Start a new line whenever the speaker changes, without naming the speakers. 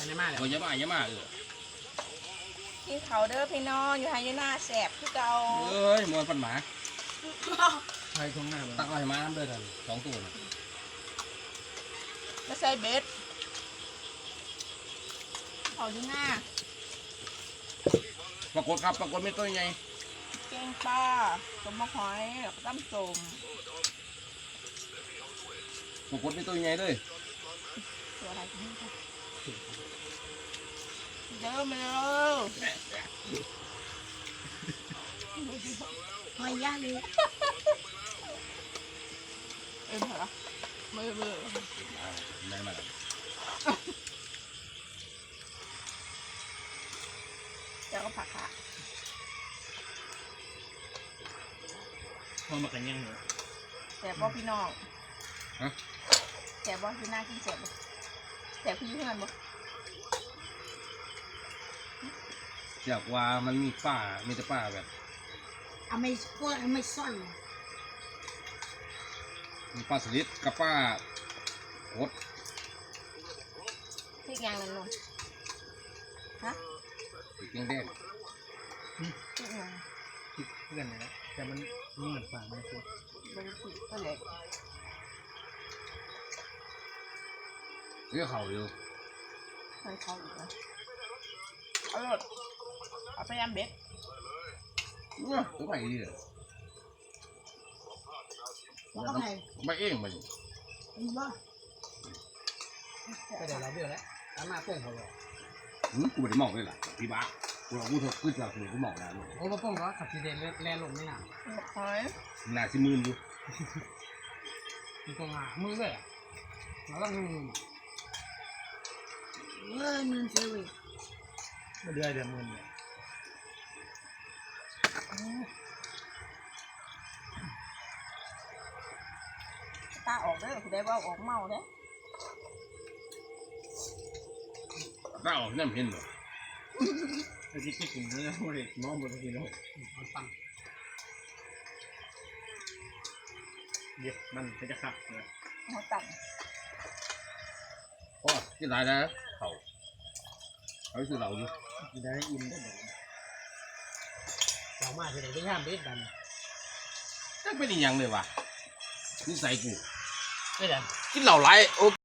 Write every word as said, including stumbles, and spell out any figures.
นมาเลย
เยอะมากเยอะมากเออ
กินเขาเด้อพี่น้องอยู่ไฮยูน่าแสบคือเก่า
เอ้ยมวนฟันหมา
ใครตรงหน้า
ตักอะไรมาน้ำเดือดสองตัว
ไม่ใส่เบ็ดเขายูน่า
ปรากฏครับปรากฏไม่ตัวใหญ่
แกงปลาต้มมะหอยแล้วก็ตั้มส้ม
ปรากฏไม่ตัวใหญ่เลย
ตัวอะไรกันนี่คะเดินมาเลย
หอยย่างเลย
เอ็มเหรอมือมือ
ได้มาแล้ว
แล้วก็ผักค่ะ
พอมากันยังเหรอ
แสบบ่พี่น้องแสบบ่พี่น่ากินแสบบ่แสบพี่เพื่อนบ่
อยากว่ามันมีป้ามีแต่ป้าแบบ
เอาไม่ก็ไม่ซ่อน
มีป้าสลิดกับป้าโคตร
พริกยางนั่นลงฮะ
พริกแดง
พริกยาง
คิดเพื่อนนะแต่มันนี่เหมือนฝ่ามันคือ
เป็นพริกก็เล็ก
เรียกเขาอยู่
ใส่เขาอีกนะเอาหมดเอาไปยำเบ็ด
เนี่ยตัวใหม่ดีเลย
แล้วก็ไง
ไม่เองมัน
มีบ้า
ก็เดี๋ยวเราเบี้ยวแล้วตามมาเพื่อนเขาเลย
หืมกูไม่ได้มองเลยล่ะพี่บ้ากูเราพูดเถอะพูดจากกูกูมองนะลูก
โอ้พ่อพ่อก็ขับซีเดนแล่ลงไม่หนา
หอย
หนาสิมืนอยู่
มีตรงหามือเลยอ่ะเราต้องมือ
เออมือเซวิ
มาเดือยเดือมือเนี่ย
ตาออกเด้อคุณได้ว่าออกเมาเด้อ
ตาออกนั่นเห็นบ่
ไอ้ที่คิดถึงเนี่ยโมเดลมองบนทีโลกมันฟังเดี๋ยวมันจะขับเลย
หัวตัน
โอ้ที่ไหนนะเขาเขาคือเราอยู่
ที่ได้อินได้แบบเรามาที่ไหนได้ห้ามเบ็ดดัน
ก็เป็นอย่างเลยว่ะนิสัยกู
ไม่ได้
กินเหล่าไรโอ